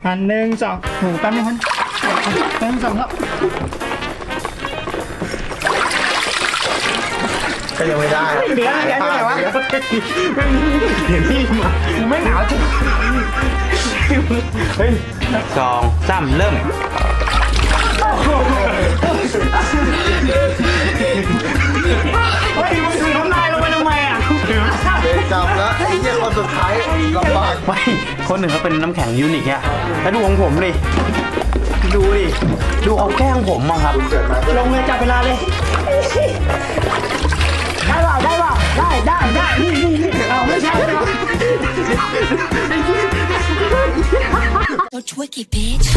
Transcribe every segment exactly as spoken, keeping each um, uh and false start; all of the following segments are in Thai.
อันหนึ่งสองโหแป๊บนึงคนหนึ่งสองแล้วก็ยังไม่ได้เหลือเหลือที่ไหนวะเห็นที่มากูไม่หนาวจริงเฮ้ยสองสามเริ่มเฮ้ยมึงถือน้ำลายลงไปทำไมอ่ะเด็กจับแล้วไอ้เหี้ยคนสุดท้ายลำบากไม่คนหนึ่งเขาเป็นน้ำแข็งยูนิคอะแล้วดูของผมดิดูดิดูเอาแกล้งผมอะครับเกิดมาลงเลยจับเวลาเลยได้เปล่าได้เปล่าได้ได้ได้นี่นี่นี่เอาไม่ใช่เหรอ So tricky, bitch.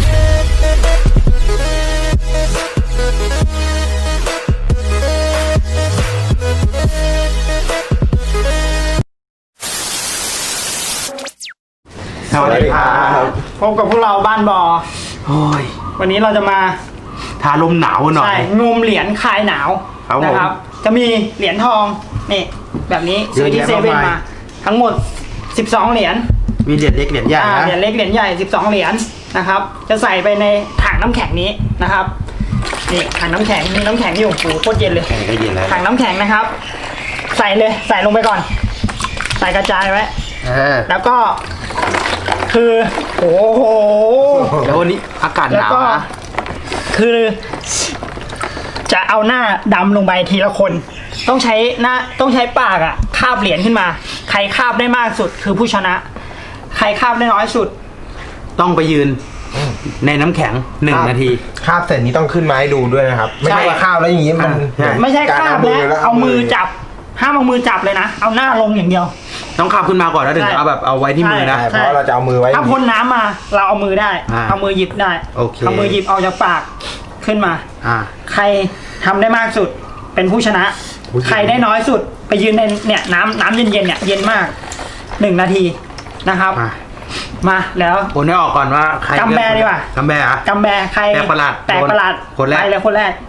สวัสดีครับพบกับพวกเราบ้านบอโอ้ยวันนี้เราจะมาทาลมหนาวหน่อใช่ยงมเหรียญคลายหนาวครับผมนะครับ จะมีเหรียญทองนี่แบบนี้ซื้อที่เยอะเซแยะเว่นมากมายมา ทั้งหมดสิบสองเหรียญมีเหรียญเล็กเหรียญใหญ่อ่านะเหรียญเล็กเหรียญใหญ่สิบสองเหรียญนะครับ จะใส่ไปในถังน้ำแข็งนี้นะครับนี่ถังน้ำแข็งมีน้ำแข็งอยู่โอ้โหโคตรเย็นเลยแข็งก็เย็นแล้วถังน้ำแข็งนะครับ ใส่เลยใส่ลงไปก่อน ใส่กระจายไว้เออแล้วก็คือโอ้โหแล้ววันนี้อากาศหแล้วนาวก็นะคือ จะเอาหน้าดำลงไปทีละคน ต้องใช้หน้าต้องใช้ปากอะคาบเหรียญขึ้นมา ใครคาบได้มากสุดคือผู้ชนะ ใครคาบได้น้อยสุดต้องไปยืนในน้ำแข็งหนึ่งนาทีคาบเสร็จนี้ต้องขึ้นมาให้ดูด้วยนะครับ ไม่ใช่ว่าคาบแล้วอย่างนี้มันใช่ไม่ใช่กรคาบเอแล้วเอามือจับห้ามเอามือจับเลยนะ เอาหน้าลงอย่างเดียวต้องขับขึ้นมาก่อนแล้วถึงใช่เอาแบบเอาไว้ที่มือนะใช่เพราะเราจะเอามือไว้ถ้าพ้นน้ำมาเราเอามือได้อ่าเอามือหยิบได้โอเคเอามือหยิบออกจากปากขึ้นมาอ่าใครทำได้มากสุดเป็นผู้ชนะ ใครได้น้อยสุดไปยืนในเนี่ยน้ำน้ำเย็นๆเนี่ยเย็นมากหนึ่งนาทีนะครับมามาแล้วคนให้ออกก่อนว่าใครกำแบดีกว่ากำแบอ่ะกำแบใครแปลกประหลาดแปลกประหลาดคนแรกไปเลยคนแรก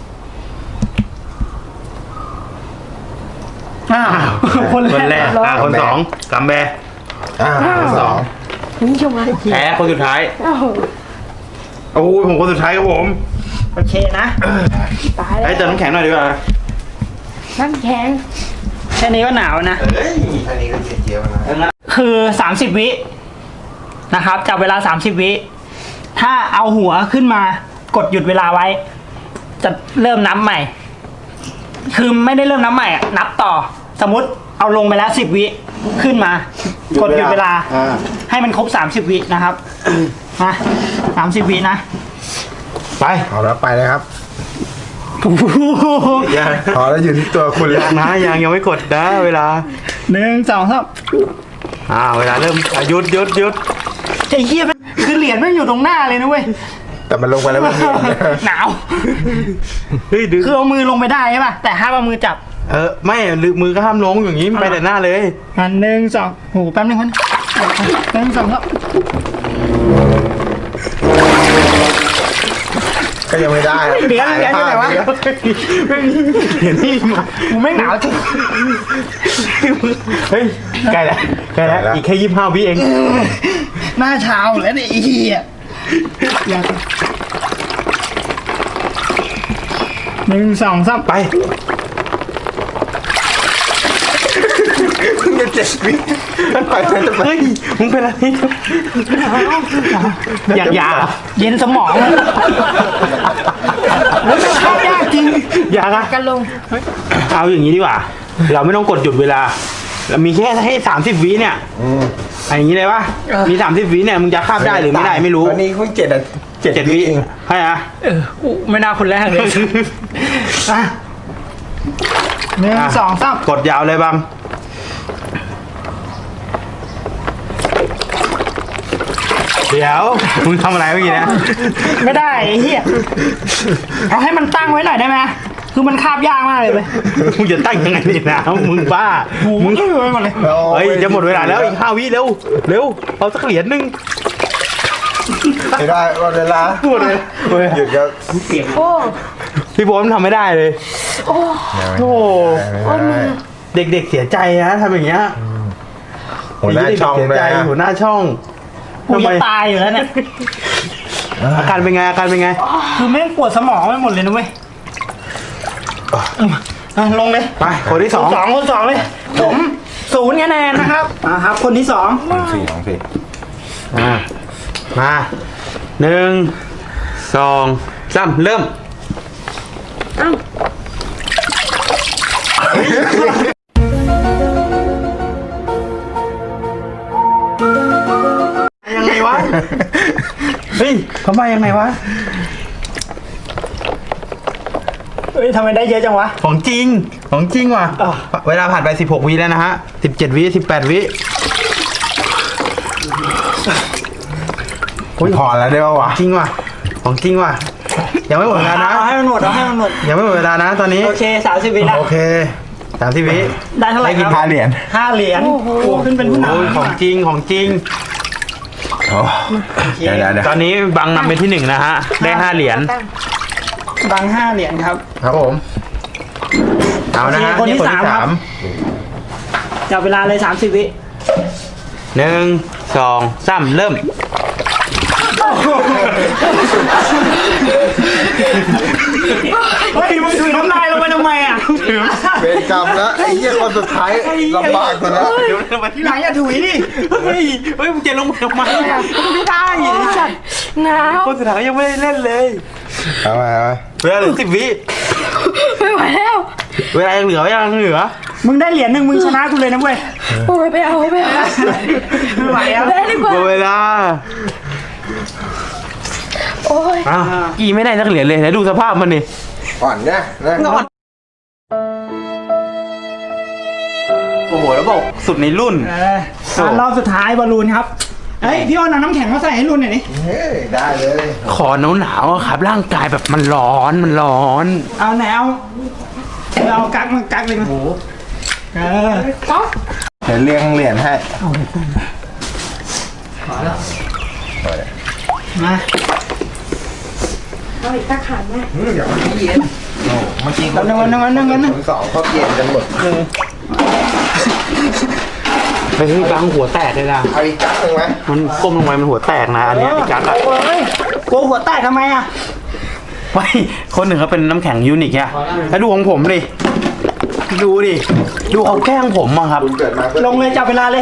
อ้าวคนคนแรกรออ่ะคนสองกำแบอ่าคนสองนี่ชมอะไรแพ้คนสุดท้ายโอ้โหผมคนสุดท้ายครับผมโอเคนะตายแล้วไอ้เติมน้ำแข็งหน่อยดีกว่าน้ำแข็งแค่นี้ก็หนาวนะเฮ้ยอันนี้ก็เจี๊ยบๆนะคือสามสิบวินะครับจับเวลาสามสิบวิถ้าเอาหัวขึ้นมากดหยุดเวลาไว้ จะเริ่มนับใหม่ คือไม่ได้เริ่มนับใหม่อะนับต่อ สมมติเอาลงไปแล้วสิบวิขึ้นมา กดหยุดเวลาอ่าให้มันครบสามสิบวินะครับมาสามสิบวินะไปเอาแล้วไปเลยครับยังพอแล้วอยู่ที่ตัวคุณแล้วนะยังยังไม่กดนะเวลาหนึ่งสองสามอ่าเวลาเริ่มอ่ะหยุดหยุดหยุดไอ้เหี้ยมันคือเหรียญไม่งอยู่ตรงหน้าเลยนะเว้ยแต่มันลงไปแล้วมันมีหนาวเฮ้ยดึงคือเอามือลงไปได้ใช่ป่ะแต่ห้ามเอามือจับเออไม่ลืมมือก็ห้ามลงอย่างนี้ไปแต่หน้าเลยอันหนึ่งสองโหแป๊บนึงคนหนึ่งสองแล้วก็ยังไม่ได้เหรียญเหรียญที่ไหนวะเห็นที่มากูไม่หนาวจริงเฮ้ยใกล้แล้วใกล้แล้วอีกแค่ยี่สิบห้าวิเองหน้าเช้าแล้วเนี่ยไอ้เหี้ยอยากหนึ่งสองสามไปเพิ่งจะเจ็ดวิมันไปมันจะไปเฮ้ยมึงเป็นอะไรอยากยาเย็นสมองเลยมันเข้ายากจริงอยากอะกันลงเอาอย่างนี้ดีกว่า เราไม่ต้องกดหยุดเวลาเรามีแค่ให้สามสิบวิเนี่ยอืมอะไรอย่างนี้เลยปะมีสามสิบวิเนี่ยมึงจะคาบได้หรือไม่ได้ไม่รู้ตอนนี้เพิ่งเจ็ดอ่ะเจ็ดเจ็ดวิวิเองใช่อะเออกูไม่น่าคนแรกเลยอ่ะหนึ่งสองสามกดยาวเลยบังเดี๋ยวมึงทำอะไรเมื่อกี้นะไม่ได้ไอ้เหี้ยเอาให้มันตั้งไว้หน่อยได้ไหมคือมันคาบยากมากเลยเว้ยมึงจะตั้งยังไงนี่นะมึงบ้าโอ้โหมึงเอ้ยหมดเลยเฮ้ยจะหมดเวลาแล้วอีกห้าวิเร็วเร็วเอาสักเหรียญหนึงไม่ได้หมดเวลาพูดเลยเฮ้ยหยุดครับโอ้พี่โบ๊ทมันทำไม่ได้เลยโอ้โอ้ไม่ได้เด็กๆเสียใจนะทำอย่างเงี้ยหัวหน้าช่องเสียด้วยใจนะหัวหน้าช่องโหกูจะตายอยู่แล้วเนี่ยอาการเป็นไงอาการเป็นไงคือแม่งปวดสมองไปหมดเลยนะเว้ยอ่ะลงเลยไปคนที่สองคนสองคนสองเลย ผมศูนย์คะแนนนะครับอ่าครับ คนที่สองลองสี่ลองสี่อ่ามาหนึ่งสองสามเริ่มยังไงวะ เฮ้ยเขามายังไงวะเฮ้ยทำไมได้เยอะจังวะของจริง ของจริงว่ะอ้าวเวลาผ่านไปสิบหกวิแล้วนะฮะสิบเจ็ดวิสิบแปดวิพอแล้วได้ป่าวะจริงว่ะ ของจริงว่ะ ยังไม่หมดเวลานะเอาให้มันหมดเอาให้มันหมดยังไม่หมดเวลานะตอนนี้โอเคสามสิบวินะโอเคสามสิบวิได้เท่าไหร่ได้คกี่รับห้าเหรียญห้าเหรียญโอ้โหขึ้นเป็นผู้นำโอ้ยของจริงของจริงโอ้เดี๋ยวเดี๋ยวเดี๋ยวตอนนี้บังนำเป็นที่หนึ่งนะฮะ ได้ห้าเหรียญบังห้าเหรียญครับครับผม เอานะฮะโอเคคนที่สามครับ จับเวลาเลยสามสิบวิหนึ่งสองสามเริ่มเฮ้ยมึงถุยน้ำลายลงไปทำไมอ่ะเวรกรรมแล้วไอ้เหี้ยคนสุดท้ายลำบากกว่าแล้วเดี๋ยวทำไมที่ไหนอย่าถุยดิเฮ้ย เฮ้ยมึงจะลงมาทำไมอ่ะไม่ได้ไอ้สัตว์หนาวคนสุดท้ายยังไม่ได้เล่นเลยเอาไปเอาไปเวลาเหลือสิบวิไม่ไหวแล้วเวลายังเหลือยังเหลือมึงได้เหรียญหนึ่งมึงชนะกูเลยนะเว้ยโอ้ยไปเอาไปเอาไม่ไหวแล้วได้ดีกว่าหมดเวลาโอ้ยอ้าวกี่ไม่ได้สักเหรียญเลยแล้วดูสภาพมันดิอ่อนเนี่ยนะโอ้โหแล้วบอกสุดในรุ่นเอออ่ะรอบสุดท้ายบอลลูนครับ เฮ้ยพี่อ้นเอาน้ำแข็งมาใส่ให้รุ่นหน่อยดิเฮ้ยได้เลยขอหนาวหนาวๆอะครับ ร่างกายแบบมันร้อนมันร้อนเอาไหนเอาเอากักมากักเลยมาเออเดี๋ยวเลี้ยงเหรียญให้มาเอาอีกตะขันแม่อืมเดี๋ยวมันเย็นโอ้เมื่อกี้วันหนึ่งวันหนึ่งวันหนึ่งวันหนึ่งคนสองเขาเย็นกันหมดไปเฮ้ยบางหัวแตกเลยนะเอาอีกจักหนึ่งไหมมันก้มลงไปมันหัวแตกนะอันเนี้ยไอ้กั๊กอะเฮ้ยกลัวหัวแตกทำไมอ่ะไม่คนหนึ่งเขาเป็นน้ำแข็งยูนิคอะแล้วดูของผมดิ ดูดิ ดูเขาแกล้งผมอะครับคุณเกิดมาเพื่อลงเลยจับเวลาเลย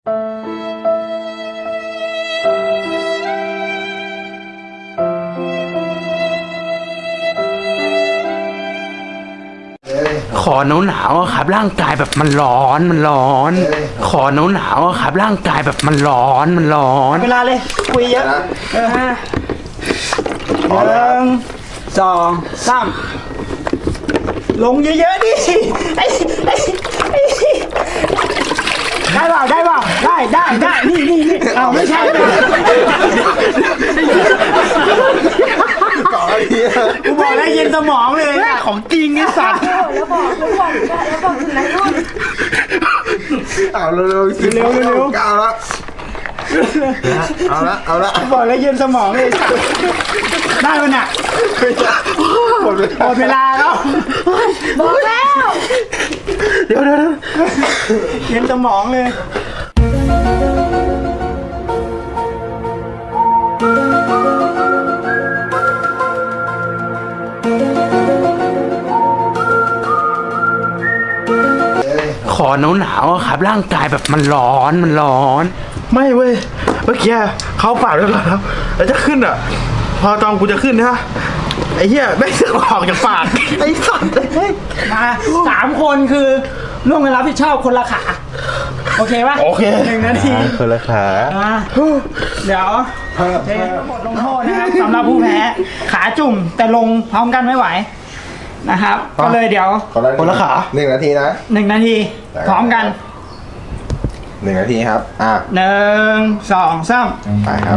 เฮ้ยขอหนาวหนาวๆอะครับ ร่างกายแบบมันร้อนมันร้อนเอ้ยขอหนาวหนาวๆอะครับ ร่างกายแบบมันร้อนมันร้อนเวลาเลยคุยเยอะนะเออพอหแล้วนึ่งสองสามลงเยอะๆดิไอ้ไอ้ไอ้ได้เปล่าได้เปล่าได้ได้ได้นี่นี่นี่เอาไม่ใช่ก่อนไอ้เหี้ยกูบอกแล้วเย็นสมองเลยอะของจริงไอ้สัตว์แล้วบอกแล้วบอกแล้วบอกถึงไหนรุ่นเอาเร็วๆสิเร็วเร็วเอาละเอาละเอาละกูบอกแล้วเย็นสมองเลยได้มันอ่ะหมดเวลาหมดเวลาแล้วบอกแล้วเดี๋ยวเดี๋ยวเดี๋ยวเย็นสมองเลยขอหนาวหนาวๆอะครับ ร่างกายแบบมันร้อนมันร้อน ไม่เว้ย เมื่อกี้เขาปาดไว้ก่อนครับแล้วจะขึ้นอ่ะ พอตอนกูจะขึ้นนะไอ้เหี้ยไม่งสึกออกจากปาก ไอ้สัตว์เฮ้ยมาสามคนคือร่วมกันรับผิดชอบคนละขา โอเคปะโอเคหนึ่งนาทีคนละขาอ่ะเดี๋ยวเทบทลงโทษนะครับสำหรับผู้แพ้ขาจุ่มแต่ลงพร้อมกันไม่ไหวนะครับ ก็เลยเดี๋ยวคนละขาหนึ่งนาทีนะหนึ่งนาทีพร้อมกันหนึ่งนาทีครับอ่ะหนึ่งสองสามไปครับ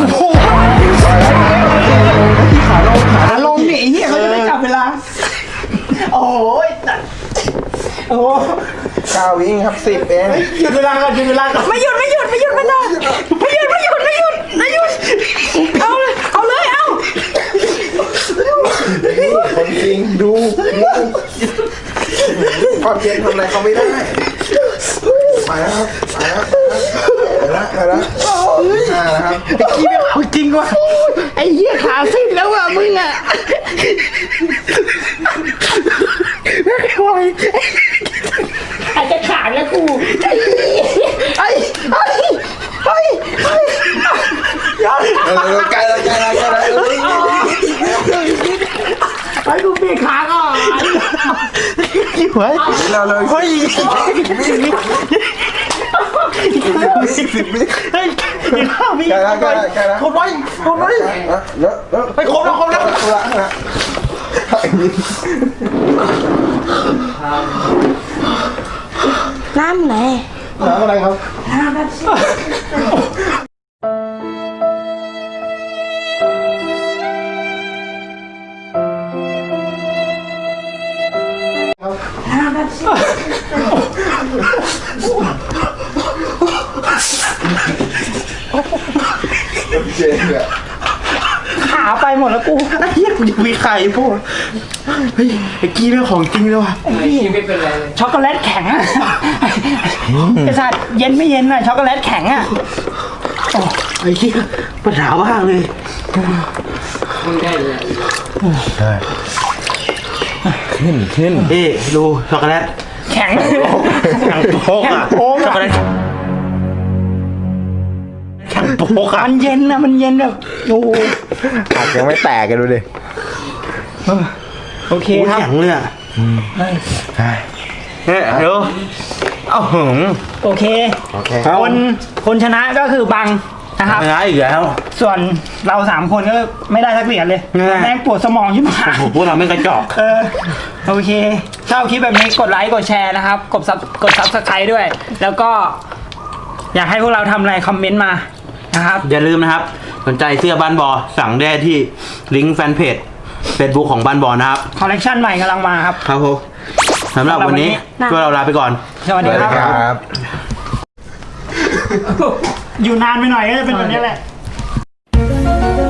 ขาลงนี่ไอ้เหี้ยเขาจะไม่จับเวลา โอ้ยตัดโอ้เก้าวิครับสิบเองหยุดเวลาก่อนหยุดเวลาก่อนไม่หยุดไม่หยุดไม่หยุดไม่ได้ไม่หยุดไม่หยุดไม่หยุดไม่หยุดเอาเลยเอาเลยเอาคนจริงดูความเย็นทำอะไรเขาไม่ได้ไปแล้วครับไปแล้วไปแล้วไปแล้วห้าแล้วครับไอ้กี้ไม่เอาจริงว่ะไอ้เหี้ยขาสิ้นแล้วอ่ะมึงอ่ะไม่ไหวอาจจะขาดแล้วกูไอ้ไอ้ไอ้ไอ้ไอ้เออใกล้แล้วใกล้แล้วใกล้แล้วไอ้กูเปลี่ยนขาก่อนกี่หัวเราเลยเฮ้ยสิบสิบวิเฮ้ยกินข้าวมีใกล้แล้วใกล้แล้วใกล้แล้วทนไว้ทนไว้แล้วแล้วไปครบแล้วครบแล้วละละไอ้นี่น้ำไหนน้ำอะไรครับน้ำแบบสิน้ำแบบสิเจนเนี่ยขาไปหมดแล้วกูไอ้เหี้ยกูจะมีไข่พวกเฮ้ยไอ้กี้เป็นของจริงเลยว่ะช็อกโกแลตแข็งอ่ะไอ้สัตว์เย็นไม่เย็นอ่ะช็อกโกแลตแข็งอ่ะไอ้กี้ปัญหามากเลยได้ขึ้นขึ้นเอ๊ดูช็อกโกแลตแข็งแข็งโป๊กอะแข็งโป๊กช็อกโกแลตแข็งโป๊กอะมันเย็นนะมันเย็นแบบโอ้โหผักยังไม่แตกกันดูดิโอเคโอ้ยครับแข็งเลยอะเนี่ยเดี๋ยวเอ้าหึงโอเคโอเคคนคนชนะก็คือบังนะครับชนะอีกแล้วส่วนเราสามคนก็ไม่ได้สักเหรียญเลยแน่แม่งปวดสมองชิบหายโอ้โหพวกเราไม่กระจอกเออโอเคชอบคลิปแบบนี้กดไลค์กดแชร์นะครับ กดซับกดซับสไครต์ด้วย แล้วก็ อยากให้พวกเราทำอะไรคอมเมนต์มานะครับอย่าลืมนะครับ สนใจเสื้อบ้านบอสั่งได้ที่ลิงก์แฟนเพจเฟซบุ๊กของบ้านบอนะครับคอลเลกชันใหม่กำลังมาครับครับผมสำหรับวันนี้พวกเราลาไปก่อนสวัสดีครับครับอยู่นานไปหน่อยก็จะเป็นแบบนี้แหละ